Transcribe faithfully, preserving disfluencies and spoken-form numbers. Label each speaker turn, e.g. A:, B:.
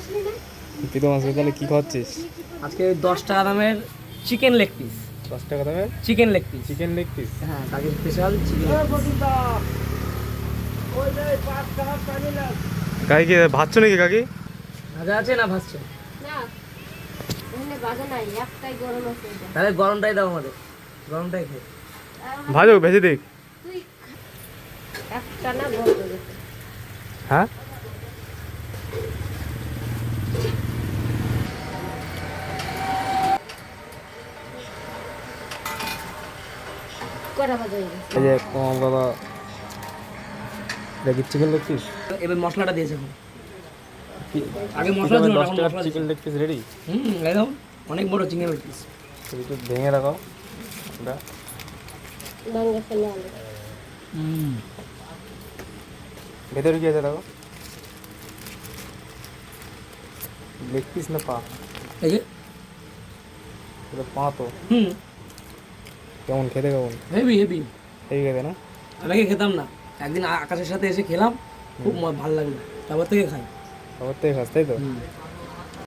A: প্রীতম আজকে তাহলে কি খাচ্ছিস?
B: আজকে দশ টাকা দামের চিকেন লেগ পিস।
A: দশ টাকা দামের
B: chicken leg piece.
A: Chicken leg piece.
B: হ্যাঁ, কাজের স্পেশাল চিকেন।
A: কাকি কি ভাজছো নাকি কাকি?
B: ভাজা আছে না ভাজছে?
C: না, এখানে বাজা নাই, একটাই গরম আছে এটা।
B: তাহলে গরমটাই দাও আমাদের, গরমটাই খাই।
A: ভাজো ভেজে দেখ।
C: তুই একটা না বলতো দেখো।
A: হ্যাঁ
C: কটা বাজা হয়ে গেছে?
A: এই যে তোমার বাবা দেখি চিকেন লেগ পিস।
B: এবার মশলাটা দিয়েছে এখন। আগে
A: প্রীতমের
B: মশলা ছিল না,
A: দশ
B: এখন
A: টাকার
B: মশলা
A: চিকেন
B: দিয়েছে।
A: Leg piece ready.
B: হুম, একদম অনেক বড় চিকেন লেগ পিস।
A: একটু ভেঙে রাখো ওটা।
C: ভাঙ্গা ফেলে আলু।
B: হুম,
A: ভেতরে কি আছে দেখো? লেগ পিস না পা?
B: এই যে
A: এটা পা তো।
B: হুম,
A: কেমন খেতে কেমন?
B: Heavy heavy.
A: এই খেতে না?
B: আমি আগে খেতাম না, একদিন আ- আকাশের সাথে এসে খেলাম, খুব ম- ভালো লাগলো, তারপর থেকে খাই।
A: খবর থেকে খাস তাই তো?
B: হুম।